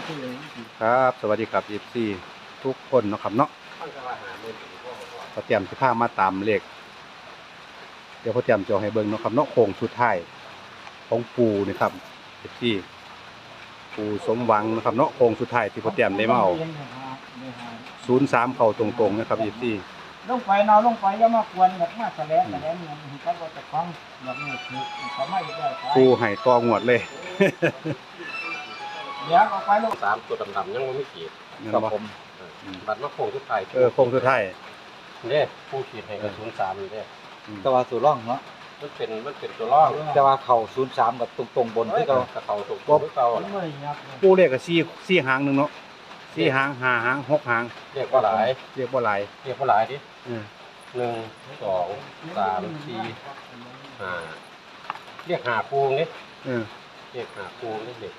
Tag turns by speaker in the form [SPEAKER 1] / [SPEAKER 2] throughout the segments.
[SPEAKER 1] ครับสวัสดีครับFCทุกคนเนาะครับเนาะพอเตรียมสิพามาตามเลขเดี๋ยวพอเตรียมจะให้เบิ่งเนาะครับเนาะโค้งสุดท้ายของปู่นี่ครับ FC ปู่สมหวังนะครับเนาะโค้งสุดท้ายที่พอเตรียมได้มาเอา03เข้าตรงๆนะครับ FC
[SPEAKER 2] ลงไปนอนลงไปแล้วมากวนแบบมาแสลงเงินเขาก็จะฟังแบบนี้คือเขาไม่ได้ไป
[SPEAKER 1] ปู่ให้ต่องวดเลย
[SPEAKER 2] เดี๋ยวออกไปลูก
[SPEAKER 3] สามตัวดำๆยังไม่ขีด
[SPEAKER 1] ครับผม
[SPEAKER 3] บัตรมาโค้งทุกไทาย
[SPEAKER 1] โค้งสุดท้าย
[SPEAKER 3] เนี่ยผู้ขีดให้กับ03นี่เนี่ย
[SPEAKER 4] แต่ว่าสู่ร่องเนาะ
[SPEAKER 3] มันเป็นตัวล่อง
[SPEAKER 4] แต่ว่าเข่า03กับตรงบนที่เขา
[SPEAKER 3] กระเขาตกตัวเก่า
[SPEAKER 2] มันไม่ยับ
[SPEAKER 1] ปู่เลขก็4หางหนึงเนาะ4หาง5หาง6หาง
[SPEAKER 3] เรียกว่าหลาย
[SPEAKER 1] เรียกบ่หลาย
[SPEAKER 3] เรียกว่าหลายดิ
[SPEAKER 1] เออ
[SPEAKER 3] 1 2 3 4 5เรียกหาปูนี่
[SPEAKER 1] เออ
[SPEAKER 3] เรียกหาปูนี่เด็ก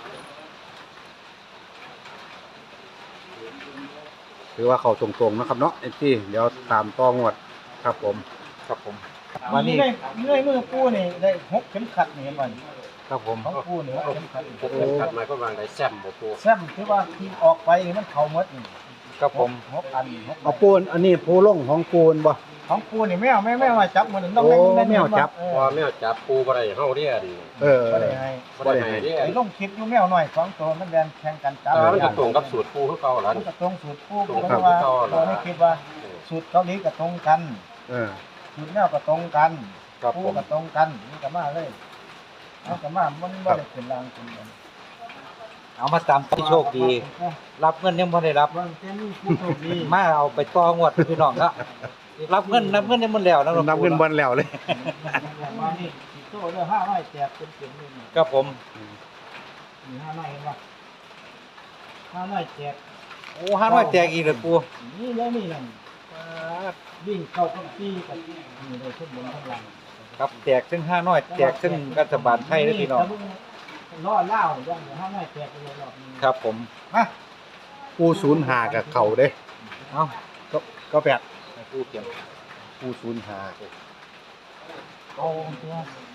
[SPEAKER 1] ถือว่าเข้าตรงๆนะครับเนาะ FC เดี๋ยวตามต่องวดครับผม
[SPEAKER 4] ครับผม
[SPEAKER 2] วั
[SPEAKER 4] วัน น
[SPEAKER 2] นี้
[SPEAKER 4] นี้
[SPEAKER 2] เลื่อยมือปูนี่ได้หกเข็มขัดนี่เห็นบ่
[SPEAKER 4] ครับผม
[SPEAKER 2] ของปูนี่หกเข็มขัด
[SPEAKER 3] พวกเป็นขัดไม้ก็วางได้แซมบ่ปู
[SPEAKER 2] แซมคือว่าที่ออกไปนี่มันเข่าหมดนี่
[SPEAKER 4] ครับผม
[SPEAKER 2] หกอันหก
[SPEAKER 1] เอาปูนอันนี้ปูลงของปูนบ่
[SPEAKER 2] ของปูนี่แมวมาจับมันต้อง
[SPEAKER 1] โอ้แมวจับ
[SPEAKER 3] พอแม่จับปูบ่ได้เฮาเรียน
[SPEAKER 1] เออ
[SPEAKER 2] บ่ได้ให้
[SPEAKER 3] บ่ได้ให้เรียน
[SPEAKER 2] ไอ้ลงคลิปอยู่แมวหน่อย2ตัวมันแดนแข่งกันจับ
[SPEAKER 3] มันก็ตรงกับสูตรปูคือเก่าล่ะ
[SPEAKER 2] มันก็ตรงสูตรปู
[SPEAKER 3] ตรง
[SPEAKER 2] เพ
[SPEAKER 3] ครับ
[SPEAKER 2] ราะว่าตัวนี้คิดว่าสูตรเกาหลีก็ตรงกัน
[SPEAKER 1] เออ
[SPEAKER 2] สูตรแมวก็ตรงกัน
[SPEAKER 4] ครับ
[SPEAKER 2] ปู
[SPEAKER 4] ผม
[SPEAKER 2] ก็ตรงกันนี่ก็มาเลยเอาก็มามันบ่ได้ขึ้นรางขึ้นบน
[SPEAKER 4] เอามาตามที่โชคดี รับเงินยังบ่ได้รับ
[SPEAKER 2] วันแค่นี้ผู้โชคดี
[SPEAKER 4] มาเอาไปต่องวดพี่น้องละรับเงินยังมันแล้วนะ
[SPEAKER 1] นับเงินบอลแล้วเลย
[SPEAKER 2] มานี่สิโตเด้อ5ไม้แจกเป็นเข็มนี่นี่
[SPEAKER 4] ครับผม
[SPEAKER 2] นี่5ไม้เห็นบ่5ไม้แจก
[SPEAKER 4] โอ้500แตกอีกเลยปู
[SPEAKER 2] นี่เลยนี่นั่นวิ่งเข้ากับที่กับนี่เลยทุกบนทั้งหลัง
[SPEAKER 4] ครับแตกถึง500แตกถึงรัฐบาลไทยเด้อพี่น้อง
[SPEAKER 2] ล้อเล่าอย่าง5ไม้แจกไปเลยรอบนี้
[SPEAKER 4] ครับผม
[SPEAKER 2] มา
[SPEAKER 1] ปู05กับเข่าเด้
[SPEAKER 4] เอ้า
[SPEAKER 1] ก็แปด
[SPEAKER 4] ให้ปูเขียน
[SPEAKER 1] ปู05
[SPEAKER 2] เอาตัว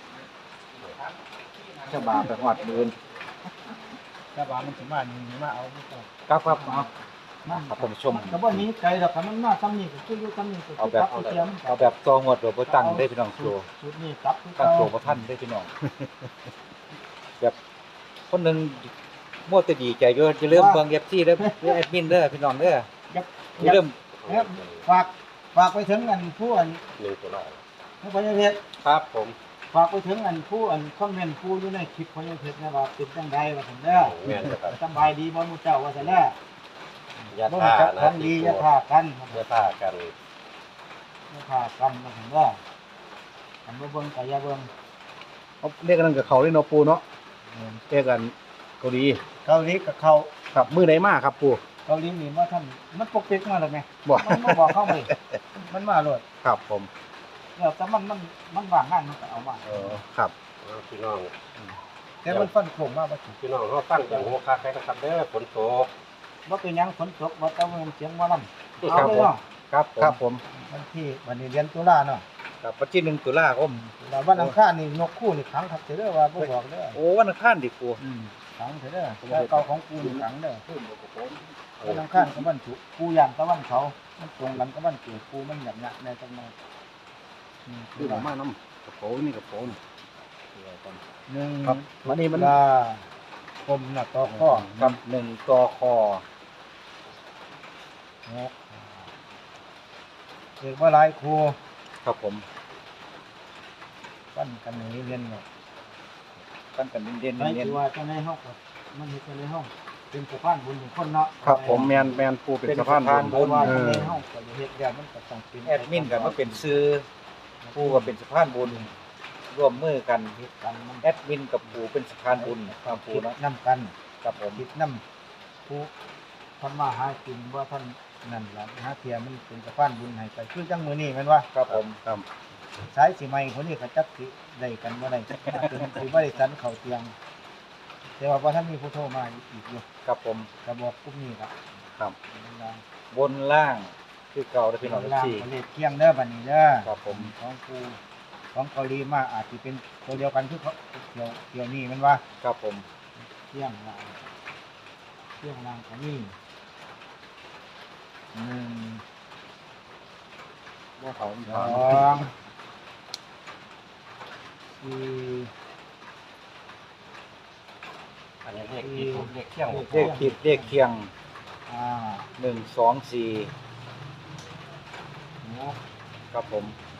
[SPEAKER 4] ฉบาไปฮอดมื้น
[SPEAKER 2] แต่ว่ามันสิมานี่มาเอาไม่ต้อง
[SPEAKER 4] ครับเอา
[SPEAKER 2] มา
[SPEAKER 4] ครับผมชม
[SPEAKER 2] แต่ว่านี้ไกลดอกคันมันมาซ้ำนี่ก็คืออยู่ซ้ำนี่ก็
[SPEAKER 4] เอาแบบ
[SPEAKER 2] เตรียม
[SPEAKER 4] เอาแบบต่องวดโดยบ่ตั้งได้พี่น้องโชว์
[SPEAKER 2] ชุดนี้ตับคือ
[SPEAKER 4] ตั้ง
[SPEAKER 2] เก่า
[SPEAKER 4] โชว์บ่ทันได้พี่น้องแบบคนหนึงมัวแต่ดีใจอยู่จะเริ่าลืมเบิ่ง FC เด้อแอดมินเด้อพี่น้องเด้อ
[SPEAKER 2] ยับ
[SPEAKER 4] อย่าลืม
[SPEAKER 2] ยับฝากไปถึงอันผู้อัน
[SPEAKER 3] 1ตัวละ
[SPEAKER 2] ผู้พญาเพชร
[SPEAKER 3] ครับผม
[SPEAKER 2] ฝากไปถึงอันผู้อันคอมเมนต์ผู้อยู่ในคลิปพญาเพชรนะว่าเป็นจังไดว่าซั่นเด้อ
[SPEAKER 3] แม่นครับ
[SPEAKER 2] สำบายดีบ่หมู่เจ้าว่าซั่นแหละ
[SPEAKER 3] ยา
[SPEAKER 2] บ่
[SPEAKER 3] ท่า
[SPEAKER 2] จัก
[SPEAKER 3] นะ
[SPEAKER 2] ของดีอย่าท่ากัน
[SPEAKER 3] ยาท่ากัน
[SPEAKER 2] อย่าท่ากันว่าซั่นเด้ออันบ่เบิ่งก็อย่าเบิ่ง
[SPEAKER 1] เอาเลขกันกับเขาเลยเนาะปูเนาะเลขกันเกาหลี
[SPEAKER 2] เกาหลีกับเขา
[SPEAKER 1] ครับมือไหนมาครับปู
[SPEAKER 2] เกาหลีนี่มาท่านมันปกปิดมาแล้วไง
[SPEAKER 1] บ่
[SPEAKER 2] มันมาบอกเข้าไปมันมาเลย
[SPEAKER 1] ครับผม
[SPEAKER 2] แล้วแต่มันว่างงานมันก็เอามา
[SPEAKER 1] ครับ
[SPEAKER 3] พี่น้อง
[SPEAKER 2] แต่มันฟันโค้งมาบ่ถูก
[SPEAKER 3] พี่น้องเขาตั้งอย่างหัวคาใครนะครับเด้อฝนตก
[SPEAKER 2] บ่เป็นหยังฝนตกบ่แต่ว่ามันเสียงหมอลำ
[SPEAKER 4] ครั
[SPEAKER 2] เอา
[SPEAKER 4] บ
[SPEAKER 2] เลยเนาะ
[SPEAKER 4] ครับผม
[SPEAKER 1] ครับผม
[SPEAKER 2] วันที่วันนี้เดือนตุลาเนาะ
[SPEAKER 4] ครับวันที่1ตุลาคม
[SPEAKER 2] แล้ววันอังคารนี่นกคู่นี่ขังครับเด้อว่าบ่บอกเด้อ
[SPEAKER 4] โอ้วันอังคารดิปู
[SPEAKER 2] ขังเด้อแต่เก่าของกูนี่ขังเด้อวันอังคารกับวันศุกร์กูย่างตะวันเขามันตรงกันกับวันเกิดกูมันหยักๆในจังหวะ
[SPEAKER 1] คือผมมาน้ำกระโปรงนี่กระโปรง
[SPEAKER 2] หนึ่ง
[SPEAKER 1] ครับวันนี้มัน
[SPEAKER 2] ตุลาคมน่ะต่อข้อ
[SPEAKER 4] กับ1ตค
[SPEAKER 2] เรียกว่าหลายครู
[SPEAKER 4] ครับผม
[SPEAKER 2] ปั้นกันนี่เรียนเนาะ
[SPEAKER 4] ตั้งกันเด่น
[SPEAKER 2] ไอ้
[SPEAKER 4] ๆเน้น
[SPEAKER 2] ที่ว่าจะในห้องก็มันเฮ็ดในห้องเป็นสะพานบุญของคนเนาะ
[SPEAKER 1] ครับผมแมนปูเป็นสะพาน
[SPEAKER 2] เพราะว่าในห้องก็เฮ็ดแล้วมันก็ต้องเป็น
[SPEAKER 4] แอดมินกันมาเป็นซื้อปูก็เป็นสะพานบุญร่วมมือกัน
[SPEAKER 2] เฮ็ดกันมัน
[SPEAKER 4] แอดมินกับปูเป็นสะพานบุญความปู
[SPEAKER 2] คิด
[SPEAKER 4] เนาะ
[SPEAKER 2] นํกัน
[SPEAKER 4] ครับผม
[SPEAKER 2] คิดนํผู้ทำมาหากินว่าท่านนั่นล่ะหาเทียมันเป็นสะพานบุญให้ไปคือจังมื้อนี้แม่นว่า
[SPEAKER 4] ครับผม
[SPEAKER 1] ครับ
[SPEAKER 2] สายสิใหม่คนนี้ก็จักสิได้กันบ่ได้เป็นสิบ่ได้สันเข้าเตียง แต่ว่าบ่ทันมีผู้โทรมาอีกอยู่
[SPEAKER 4] ครับผม
[SPEAKER 2] ก็บอกกลุ่มนี้ครับ
[SPEAKER 1] ครับ
[SPEAKER 4] บนล่างคือเก่าได้พี่น้อง
[SPEAKER 2] ล่าง
[SPEAKER 4] ที่
[SPEAKER 2] ประเทศเที่ยงเด้อบัดนี้เด้อ
[SPEAKER 4] ครับผม
[SPEAKER 2] ของกูของเกาหลีมาอาจสิเป็นตัวเดียวกันคือเขาเกี่ยวนี้แมันว่า
[SPEAKER 4] ครับผม
[SPEAKER 2] เที่ยงว่าเครื่องรางก็มี1
[SPEAKER 1] บ่เขา
[SPEAKER 2] 2 4
[SPEAKER 3] อันนี้เรียกกี่ถูกเรียกเที่ยง
[SPEAKER 4] เลขขีดเลขเคียง
[SPEAKER 2] 5
[SPEAKER 4] 1 2 4
[SPEAKER 2] 6
[SPEAKER 4] ครับผม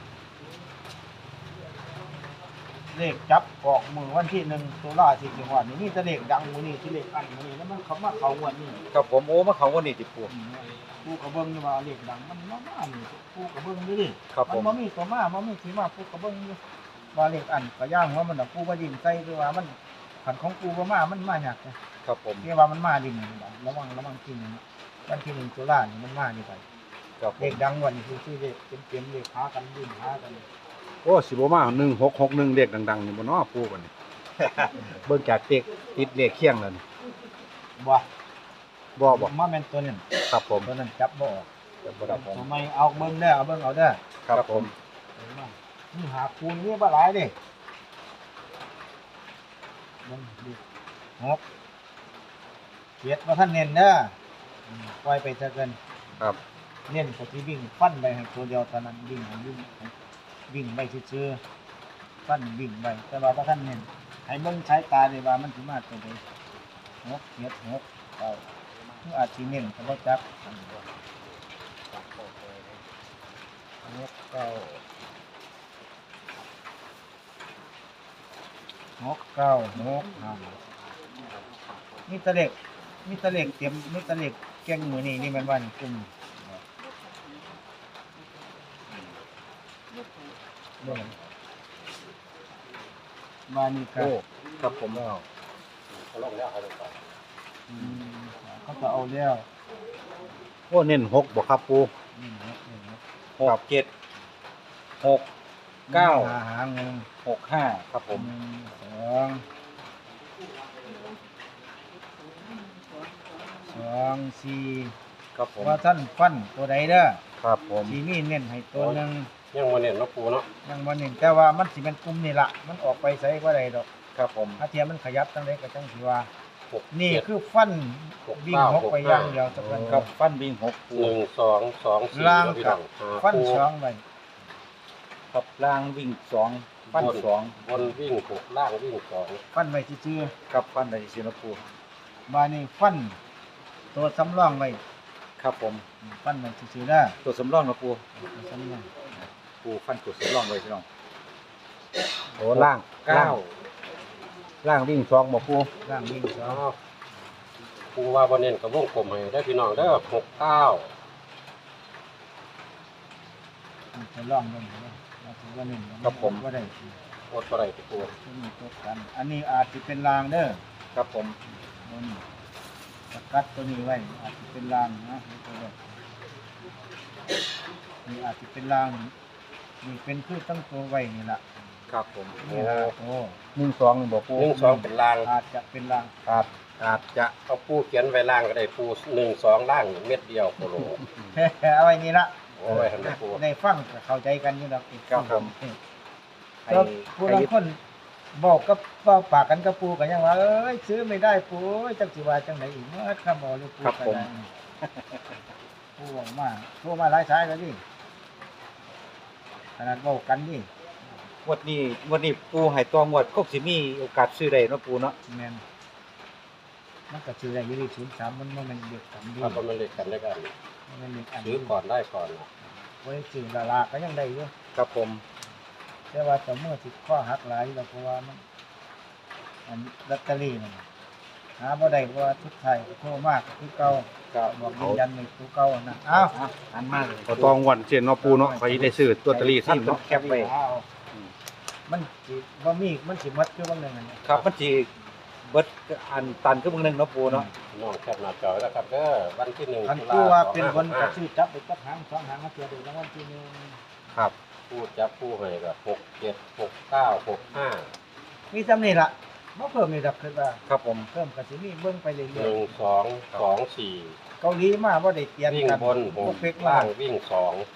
[SPEAKER 2] เลขจับออกมือวันที่1ตุลาที่จังหวัดนี้มีแต่เลขดังมื้อนี้ที่เลขอันมื้อนี้แล้วมันเข้ามาเข้างวดนี้
[SPEAKER 4] ครับผมโอ้มาเขาวันนี้ติปู
[SPEAKER 2] ผู้กระเบื้องนี่ว่าเลขดังมันมานี่ผู้กระเบื้องนี่ดิ
[SPEAKER 4] ครับ
[SPEAKER 2] มั
[SPEAKER 4] ผม
[SPEAKER 2] บ่มีตัวมาบ่มีที่มาผู้กระเบื้องนี่ว่าเลขอันก็ย่างว่ามันน่ะผู้บ่ยิ้มใส่คือว่ามันขันของกูบ่มามันมายากเลย
[SPEAKER 4] ครับผม
[SPEAKER 2] ที่ว่ามันมาดิระวังจริงนะวันที่1ตุลานี่มันมานี่ไป
[SPEAKER 4] ครับผ
[SPEAKER 2] เล
[SPEAKER 4] ม
[SPEAKER 2] ขดังวันนี้คือเลขเต็มๆเลขหากันดิ้นหากัน
[SPEAKER 1] โอ้สิบ่มา1661เลขดังๆนี่บ่เนาะปูกันนี่ เบิ่งจากเลขติดเลขเคียงแล้วนี่
[SPEAKER 2] บ่
[SPEAKER 1] บ่
[SPEAKER 2] มาแม่นตัวนั้น
[SPEAKER 1] ครับผม
[SPEAKER 2] ตัวนั้นจับบ่ออก
[SPEAKER 4] ครับผม
[SPEAKER 2] ทำไมเอาเบิ่งเด้อเอาเบิ่งเอาเด้อ
[SPEAKER 1] ครับผม
[SPEAKER 2] นี่หาคูณนี่บ่หลายเด้เบิ่งดิ6 7บ่ทันเน้นเด้อปล่อยไปซะเกิน
[SPEAKER 1] ครับ
[SPEAKER 2] เน้นก็สิวิ่งฟันไปให้ตัวเดียวเท่านั้นวิ่งไปซื่อๆฟันวิ่งไปแต่ว่าบ่ทันเน้นให้เบิ่งสายตาได้ว่ามันสิมาตัวใด6 7 6 9คืออาจสิเน้นก็บ่จับมีตะเล็กเตรียมมีตะเล็กแกงมื้อนี้นี่มันว่านี่กลุ่มเบิ่งมานี่ก็
[SPEAKER 1] โอ้ครับผมแล้ว
[SPEAKER 3] เขาลงแล้วเขาลงไป
[SPEAKER 2] เขาจะเอาแล้ว
[SPEAKER 1] โอ้เน้น6บ่ครับปู
[SPEAKER 2] นี่นะ
[SPEAKER 4] 6 7 6 9
[SPEAKER 2] หาเงิน
[SPEAKER 4] 6 5ครับผม
[SPEAKER 2] 2
[SPEAKER 4] ครับผม
[SPEAKER 2] 4ว่าท่านฟันตัวใดเด้อ
[SPEAKER 1] ครับผม
[SPEAKER 2] สีมีเน้นให้ตัวหนึง
[SPEAKER 3] ยังมาเน้นเนาะปูเนาะ
[SPEAKER 2] ยังบ่เน้นแต่ว่ามันสิเป็นกลุ่มนี่ล่ะมันออกไปไสบ่ได้ดอก
[SPEAKER 4] ครับผม
[SPEAKER 2] ถ้าเทียมมันขยับจังไดก็จังสิว่า
[SPEAKER 3] หก
[SPEAKER 2] นี่
[SPEAKER 3] เจ็ด
[SPEAKER 2] คือฟันวิ่ง
[SPEAKER 3] 6 9
[SPEAKER 2] หกไปอย่างเดียวสักวัน
[SPEAKER 4] ครับฟันวิ่ง6ปู
[SPEAKER 3] 1 2 2 4
[SPEAKER 2] ล่าง
[SPEAKER 3] พี่
[SPEAKER 2] กั
[SPEAKER 3] น้
[SPEAKER 2] บ
[SPEAKER 3] องหา
[SPEAKER 2] ฟัน
[SPEAKER 3] คู่
[SPEAKER 2] สองไป
[SPEAKER 4] ครับล่างวิ่ง2ฟัน2
[SPEAKER 3] บนวิ่ง6ล่างวิ่ง2
[SPEAKER 2] ฟันไว้ซื่อ
[SPEAKER 4] ครับฟันได้สินะปู
[SPEAKER 2] ๆมานี่ฟันตัวสำรองไว้
[SPEAKER 4] ครับผม
[SPEAKER 2] ฟันไว้ซื่อๆเด้อ
[SPEAKER 4] ตัวสำรองนะปู
[SPEAKER 2] ตัวสำรอง
[SPEAKER 4] ปูฟันตัวสำรองไว้พี่น้อง
[SPEAKER 1] โอ้ล่าง
[SPEAKER 4] 9
[SPEAKER 1] ล่างวิ่ง2บ่ปู
[SPEAKER 2] ร่างวิ่งสอ
[SPEAKER 3] อ้าง วปูว่าบ่เน้นกับวงกลมให้ได้พี่น้องเด้อ6 9
[SPEAKER 2] จะลองเบิ่งเด้อว่าสิว่านี่บ่ได้
[SPEAKER 3] อดบ่ได้ที่ปู
[SPEAKER 2] มีตัวกัน อันนี้อาจสิเป็นรางเด้อ
[SPEAKER 4] ครับผม
[SPEAKER 2] ตัวนี้สกัดตัวนี้ไว้อาจสิเป็นรางนะตัวนี้นี่อาจสิเป็นรางนี่เป็นคือตั้งตัวไว้นี่ล่ะ
[SPEAKER 4] ครับผม
[SPEAKER 2] นี่ล่ะโอ้
[SPEAKER 1] 1 2นี่บ่ปู
[SPEAKER 3] 1 2เป็นล่าง
[SPEAKER 2] อาจจะเป็นราง
[SPEAKER 1] ครับอาจจะ
[SPEAKER 3] เอาปูเขียนไว้ล่างก็ได้ปู1 2ล่างเม็ดเดียวโคโล
[SPEAKER 2] เอาไว้นี่ละ
[SPEAKER 3] โอ้ยทำได้ปู
[SPEAKER 2] ได้ฟังก็เข้าใจกันอยู่ดอก
[SPEAKER 4] ครับผม
[SPEAKER 2] ก็ผู้บางคนบอกกับเว้าปากกันกับปูก็ยังว่าเอ้ยซื้อไม่ได้ปูจักสิว่าจังไดอีกเมื่อคำบอกเลยปูก็ได้ปูบอกมาโทรมาหลายสายแล้วดิขนาดเว้ากันนี่
[SPEAKER 4] งวดนี้ปูให้ตัวงวดก็สิมีโอกาสซื้อได้เนาะปูเนาะ
[SPEAKER 2] แม่นมันก็ซื้อได้อยู่ที่03มันบ่แม่นเด็กกันดี
[SPEAKER 3] ถ้ามันเล็กกันได้กัน
[SPEAKER 2] มันเป็นเด็กอัน
[SPEAKER 3] ซื้อก่อนได้ก่อน
[SPEAKER 2] ไว้ซื้อละลาก็ยังได้อยู่
[SPEAKER 4] ครับผม
[SPEAKER 2] แต่ว่าแต่เมื่อสิข้อหักหลายแล้วเพราะว่ามันอันลอตเตอรี่มันหาบ่ได้เพราะว่าทุกไทายโทรมากคือเก่า
[SPEAKER 4] ครับ
[SPEAKER 2] บอกยืนยันในตัวเก่านะอ้าว
[SPEAKER 4] อันมากเลย
[SPEAKER 1] ก็ต้องวันเช่นเนาะปูเนาะไปได้ซื้อตัวตะลี่ท่านเนาะ
[SPEAKER 4] แคปไว้
[SPEAKER 2] มันสิบ่มีมันสิหมดคือบางหนึงอันนี้
[SPEAKER 4] ครับมันสิเบิดอันตันคือมึงนึงเนาะปูเนาะ
[SPEAKER 3] น้องแคปหน้าจอแล้วครับเด้อวันที่1
[SPEAKER 2] คัน
[SPEAKER 3] ตุ
[SPEAKER 2] ผู้
[SPEAKER 3] ลา
[SPEAKER 2] ว่าเป็นคนก็ซื้อจับไปจับหางสองหางมาเสียดูรางวัลที่หนึ่ง
[SPEAKER 1] ครับ
[SPEAKER 3] พูดจับผู้ให้ก็6 7 6 9 6 5
[SPEAKER 2] มีจำนี่ล่ะบ่เพิ่มนี่ดอกคือว่า
[SPEAKER 4] ครับผม
[SPEAKER 2] เพิ่มก็สิมีเบิ่งไปเรื่อย
[SPEAKER 3] 1 2 2 4
[SPEAKER 2] ๆเกาหลีมาบ่ได้เปลี่ยน
[SPEAKER 3] วิ่ง
[SPEAKER 2] กัน
[SPEAKER 3] บน
[SPEAKER 2] บ่เฟก
[SPEAKER 3] ล่า
[SPEAKER 2] ล่าง ง
[SPEAKER 3] วิ่ง2
[SPEAKER 1] ครับ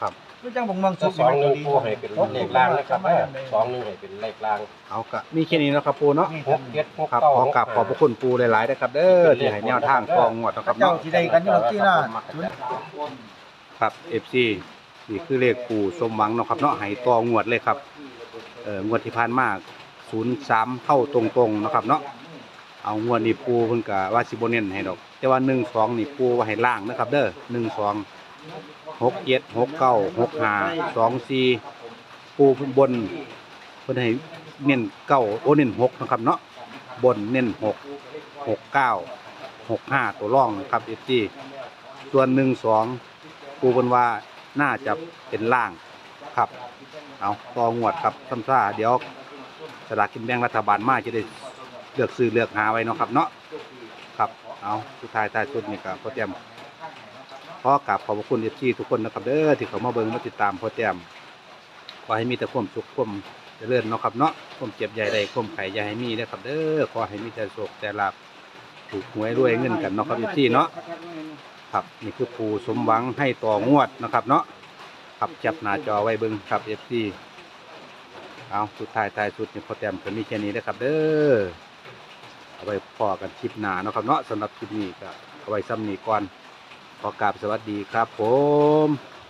[SPEAKER 2] ก็จังบ่งเมือง
[SPEAKER 3] ก็
[SPEAKER 2] สุข
[SPEAKER 3] สองหนึ่งปูให้เป็นเลขล่างนะครับสองหนึ่งให้เป็นเลขล่าง
[SPEAKER 1] เอากะมีแค่นี้เนาะครับปูเนาะ
[SPEAKER 3] หกเจ็ดหก
[SPEAKER 1] ครับ
[SPEAKER 3] เก้า
[SPEAKER 1] ขอกราบขอบพระคุณปูหลายๆนะครับเด้อที่ให้แนวทางกองงวดเนาะครับ
[SPEAKER 2] เจ้า
[SPEAKER 1] เนาะ
[SPEAKER 2] สิได้กันอยู่ที่หน้า
[SPEAKER 1] ครับ FC นี่คือเลขปูสมหวังเนาะครับเนาะให้ต่องวดเลยครับงวดที่ผ่านมา03เข้าตรงๆเนาะครับเนาะเอางวดนี้ปูเพิ่นก็ว่าสิบ่เน้นให้ดอกแต่ว่า12นี่ปูว่าให้ล่างนะครับเด้อ12 6 7 6 9 6 5 2 4ปูบนเพิ่นให้เน้น9โอ้เน้น6นะครับเนาะบนเน้น6 6 9 6 5ตัวร่องนะครับ FG ส่วน12ปูเพิ่นว่าน่าจะเป็นล่างครับเอาต่องวดครับซ้ำซ่าเดี๋ยวสลากกินแบ่งรัฐบาลมาจะได้เลือกซื้อเลือกหาไว้เนาะครับเนาะครับเอาสุดท้ายท้ายสุดนี่ก็พอเตรียมขอกราบขอบพระคุณ FG ทุกคนนะครับเด้อที่เขามาเบิ่งมาติดตามพอเตรียมขอให้มีแต่ความสุขความเจริญเนาะครับเนาะความเจ็บใหญ่ใดความไข่ใหญ่ให้มีนะครับเด้อขอให้มีแต่โชคแต่ลาภถูกหวยรวยเงินกันเนาะครับ FG เนาะครับนี่คือปูสมหวังให้ต่องวดนะครับเนาะครับจับหน้าจอไว้เบิ่งครับ FG เอาสุดท้ายท้ายสุดนี่พอเตรียมก็มีแค่นี้นะครับเด้อเอาไว้พอกันคลิปหน้าเนาะครับเนาะสำหรับคลิปนี้ก็เอาไว้ซ้ำนี้ก่อนขอกราบสวัสดีครับผม